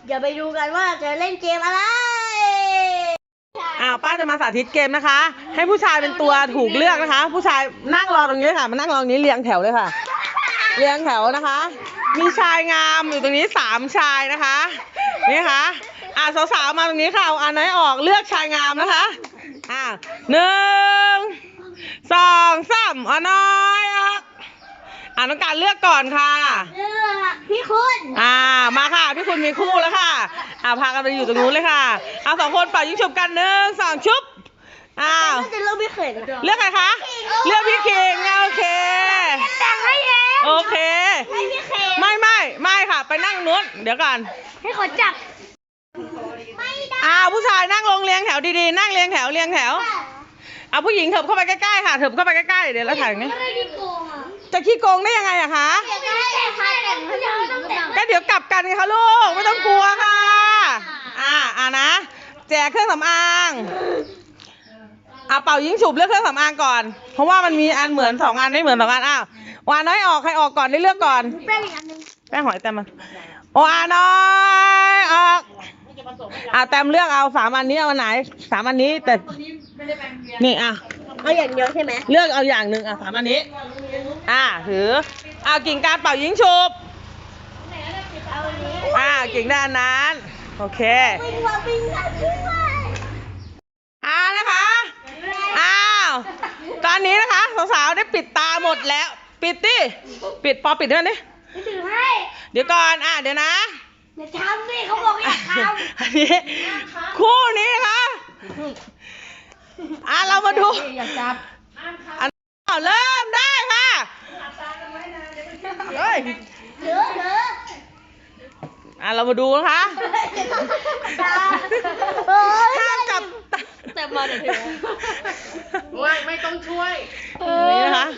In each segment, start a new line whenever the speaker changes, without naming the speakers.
เดี๋ยวไปดูกันว่าจะเล่นเกมอะไร
ป้าจะมาสาธิตเกมนะคะ ให้ผู้ชายเป็นตัวถูกเลือกนะคะ ผู้ชายนั่งรอตรงนี้ค่ะมานั่งรอตรงนี้เรียงแถวเลยค่ะเรียงแถวนะคะ มีชายงามอยู่ตรงนี้3 ชายนะคะนี่ค่ะสาวๆมาตรงนี้ค่ะเอาอันไหนออกเลือกชายงามนะคะ1 2 3เอาน้อยน้องการเลือกก่อนค่ะ
พี่คุณ
มาค่ะพี่คุณมีคู่แล้วค่ะพากันไปอยู่ตรงนู้นเลยค่ะ2 คนเป่ายิงฉุบกัน1 2ชุบ
จะเลือกพี่เขิน
เลือกใครคะเลือกพี่คิงโอเค
แต่งให้เอง
โอเค
ให้พี่เขิน
ไม่ค่ะไปนั่งนู้นเดี๋ยวก่อน
ให้ขอจับไม่ได้
ผู้ชายนั่งลงเรียงแถวดีๆนั่งเรียงแถวผู้หญิงเถิบเข้าไปใกล้ๆค่ะเถิบเข้าไปใกล้ๆเดี๋ยวเราถ่ายนี้จะขี้โกงได้ยังไงอะคะก็เดี๋ยวกลับกันไงคะลูกไม่ต้องกลัวค่ะนะแจกเครื่องสำอางเป่ายิงฉุบเลือกเครื่องสำอางก่อนเพราะว่ามันมีอันเหมือน2 อันไม่เหมือน2 อันวาน้อยออกใครออกก่อนได้เลือกก่อน
แป้งอีกอันนึง
แป้งหอยแต้มวาน้อยออกแต้มเลือกเอา3 อันนี้เอาอันไหน3 อันนี้แต่นี่
เอาอย่างเดียวใช่ไหม
เลือกเอาอย่างหนึ่ง3 อันนี้ถือกิ่งการเป่ายิงฉุบกิ่งด้านนั้นโอเคนะคะตอนนี้นะคะสาวๆได้ปิดตาหมดแล้วปิดปิดด้วยนี่เดี๋ยวก่อนเดี๋ยวนะ
อย่าทำสิเขาบอกอย่าทำ
อันนี้คู่นี้นะคะเรามาดูเริ่มได้ค่ะเรามาดูนะคะห้ามจับ
แต่มาเดี๋ยว
ไม่ต้องช่วย
นี่นะคะ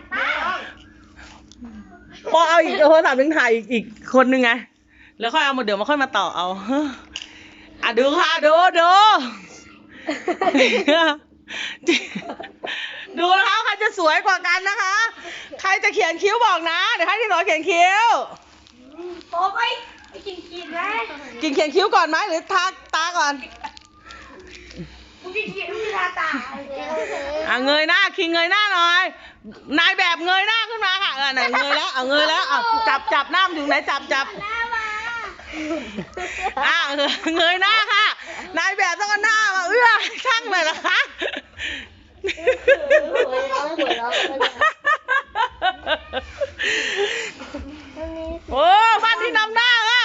พอเอาอีกโทรศัพท์นึงถ่ายอีกคนนึงไงแล้วค่อยเอามาเดี๋ยวมาค่อยมาต่อเอาดูค่ะดูดูนะคะใครจะสวยกว่ากันนะคะใครจะเขียนคิ้วบอกนะเดี๋ยวให้ที่สอนเขียนคิ้ว
โอ้ไปกินไหม
กินเขียนคิ้วก่อนไหมหรือทาตาก่อน
กินทาตา
เงยหน้าคิงเงยหน้าหน่อยนายแบบเงยหน้าขึ้นมาค่ะไหนเงยแล้วเงยแล้วจับหน้าอยู่ไหนจับเงยหน้าค่ะนายแบบต้องเอาหน้ามาช่างเลยนะคะโอ้บ้านที่นำหน้าค่ะ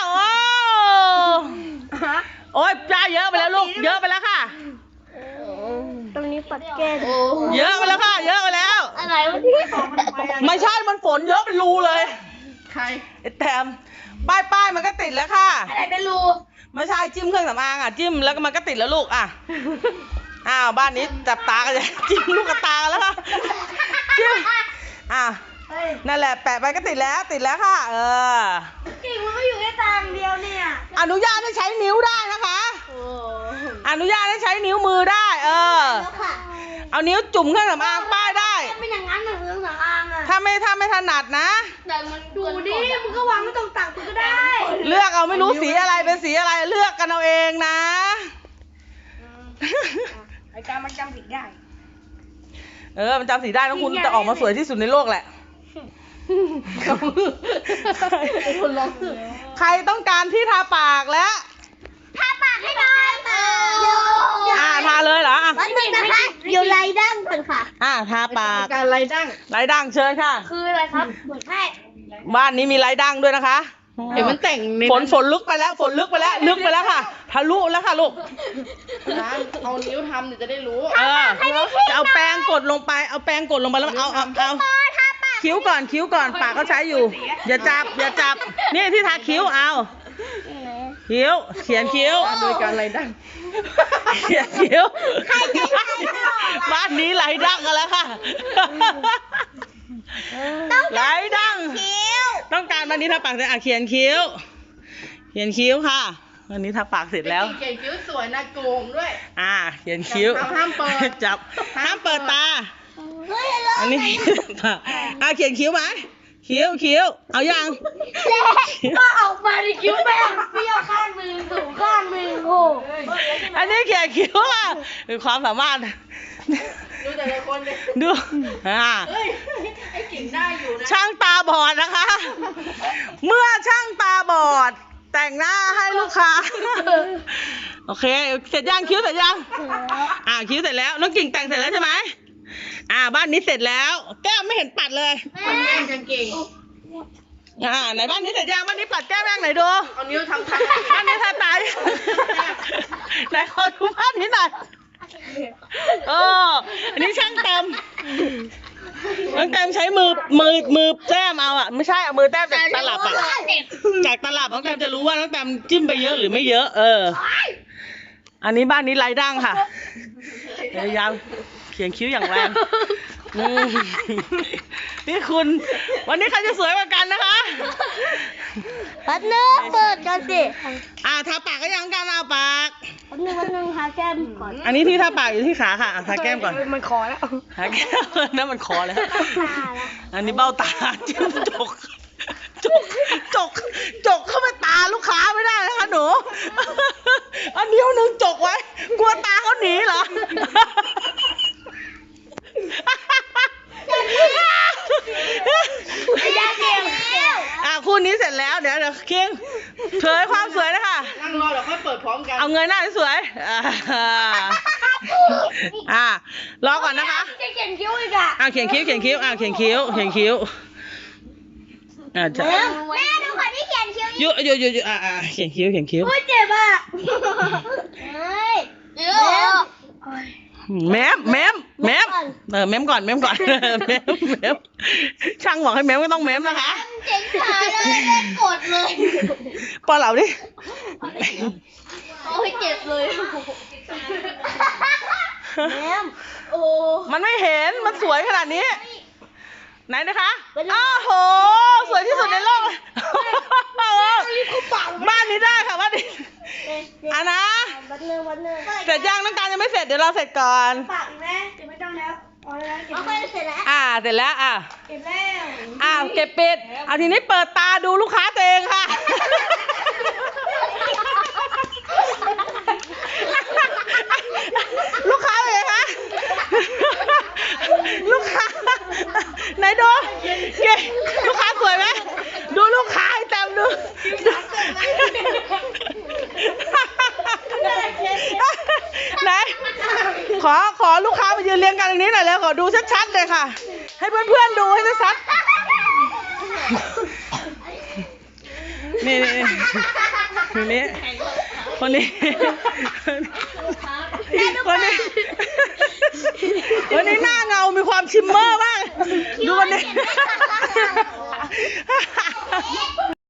โอ้ยจ้าเยอะไปแล้วลูกเยอะไปแล้วค่ะ
ตรงนี้ปัดแก้
เยอะไปแล้วค่ะเยอะไปแล้ว
อะไรวะที่
ไม่ใช่มันฝนเยอะเป็นรูเลย
ใคร
แต้มป้ายมันก็ติดแล้วค่ะ
อะไรเป็นรู
ไม่ใช่จิ้มเครื่องสำอางจิ้มแล้วก็มันก็ติดแล้วลูกบ้านนี้จับตากันเลยจิ้มลูกกระตาแล้วค่ะจิ้มนั่นแหละแปะไปก็ติดแล้วค่ะ
จริงมันก็อยู่แค่ตาเดียวเนี่ย
อนุญาตให้ใช้นิ้วได้นะคะอนุญาตให้ใช้นิ้วมือได้เอานิ้วจุ่มเครื่องสำอางป้ายได้
ไม่อย่างนั้นเครื่องสำอาง
ถ้าไม่ถนัดนะ
แต่มันดูดิมึงก็วางไม่ตรงตักมึงก็ได้
เลือกเอาไม่รู้สีอะไรเป็นสีอะไรเลือกกันเอาเองนะ
ไอ้การมันจำสีได้
มันจำสีได้นะคุณจะออกมาสวยที่สุดในโลกแหละใครต้องการที่ทาปากแล้ว
ทาปากให้หน่อย
ทาเลยเหรอ
มันเป็นนะคะอยู่ไรดั้งก่อนค่ะ
ทาปาก
การไร
ดั้งเชิญค่ะ
คืออะไรครับให้
บ้านนี้มีไรดั้งด้วยนะคะ
เดี๋ยวมันแต่ง
ฝนลึกไปแล้วลึกไปแล้วค่ะทะลุแล้วค่ะลูก
เอานิ้วทำเดี๋ยวจะได้รู้
จะเอาแป้งกดลงไปแล้วเอาคิ้วก่อนปากเขาใช้อยู่อย่าจับนี่ที่ทาคิ้วคิ้วเขียนคิ้ว
โดยการไรดั้ง
เขียนคิ้วบ้านนี้ไรดั้งกันแล้วค่ะไรดั้งต้องการวันนี้ทาปากเสร็จเขียนคิ้วค่ะวันนี้ทาปากเสร็จแล้ว
เขียนคิ้วสวยนะโกงด้วย
เขียนคิ้ว
ห้ามเปิด
จับห้ามเปิดตาอันนี้เขียนคิ้วไหมคิ้วคิ้วเอายัง
ก็ออกมาในคิ้วแม่งเปรี้ยวข้างหนึ่งสูงข้างหนึ่งโอ้
อันนี้เขียนคิ้วอ่ะคือความสามารถ
ดูแต่ละคนเลย
ดูอ่า
เฮ้ยไอ้กิ่งได้อยู่นะ
ช่างตาบอดนะคะ เมื่อช่างตาบอด แต่งหน้าให้ลูกค้า โอเค เสร็จยังคิ้วเสร็จยัง คิ้วเสร็จแล้วน้องกิ่งแต่งเสร็จแล้วใช่ไหมบ้านนี้เสร็จแล้ว แก้มไม่เห็นปัดเลย
มันแย่งกันเก่ง
ไหนบ้านนี้เสร็จยังบ้านนี้ปัดแก้มยังไหนดู
เอานิ้วทำทัน
บ้านนี้ทาตายไหนขอดูบ้านนี้หน่อยอันนี้ช่างเต็มน้องเต็มใช้มือแต้มเอาอ่ะไม่ใช่เอามือแต้มจากตลับอ่ะจากตลับน้องเต็มจะรู้ว่าน้องเต็มจิ้มไปเยอะหรือไม่เยอะอันนี้บ้านนี้ไรดั้งค่ะพยายามเขียนคิ้วอย่างแรงนี่คุณวันนี้ใครจะสวยกว่ากันนะคะ
วันหนึ่งเปิดกันสิ
ทาปากก็ยังกันเอาปาก
วันหนึ่งทาแก้มก่อน
อันนี้ที่ทาปากอยู่ที่ขาค่ะทาแก้มก่อน
มันคอแล้ว
ทาแก้มนั่นมันคอแล้ว
ตาละ
อันนี้เบ้าตาจิ้มจกเข้าไปตาลูกค้าไม่ได้นะคะหนูอันนิ้วหนึ่งจกไว้ กลัวตาเขาหนีเหรอ
ยาเดียว
คู่นี้เสร็จแล้วเดี๋ยวคิงเผยความสวยนะคะ
นั่งรอเดี๋ยวค่อยเปิดพร้อมกัน
เอาเงยหน้าสวยรอก่อนนะคะ
จะเขียนคิ้วอีกอ่ะ
เขียนคิ้วเขียนคิ้วเขียนคิ้วจะ
แม่ดูคนที่เขียนคิ้ว
เขียนคิ้ว
โอ้ยเจ็บอ่ะเฮ้ยเดี๋ยว
แมมเม้มก่อนเม้มช่างบอกให้เม้มก็ต้องเม้มนะคะ
เจ๋งขาเลยกดเลย
ปอเหล่าดิ
โอ้ยเจ็บเลยแม่โอ้
มันไม่เห็นมันสวยขนาดนี้ไหนนะคะอ้าวโหสวยที่สุดในโลกบ้านนี้ได้ค่ะบ้านนี้นะ
วันหนึ่ง
เสร็จยังน้องการยังไม่เสร็จเดี๋ยวเราเสร็จก่อน
ปากแม่เก็บไม่ต้องแล้วพอแล้วเก็บเสร็จแล้ว
เสร็จแล้ว
เก็บแล้ว
เก็บปิดเอาทีนี้เปิดตาดูลูกค้าตัวเองค่ะ ลูกค้าเป็นไงคะลูกค้าไหนดูลูกค้าสวยไหมดูลูกค้าให้แต้มดูไหนขอลูกค้ามายืนเรียงกันตรงนี้หน่อยแล้วขอดูชัดๆเลยค่ะ ให้เพื่อนๆดูให้ชัดๆนี่คนนี้หน้าเงามีความชิมเมอร์มากดูคนนี้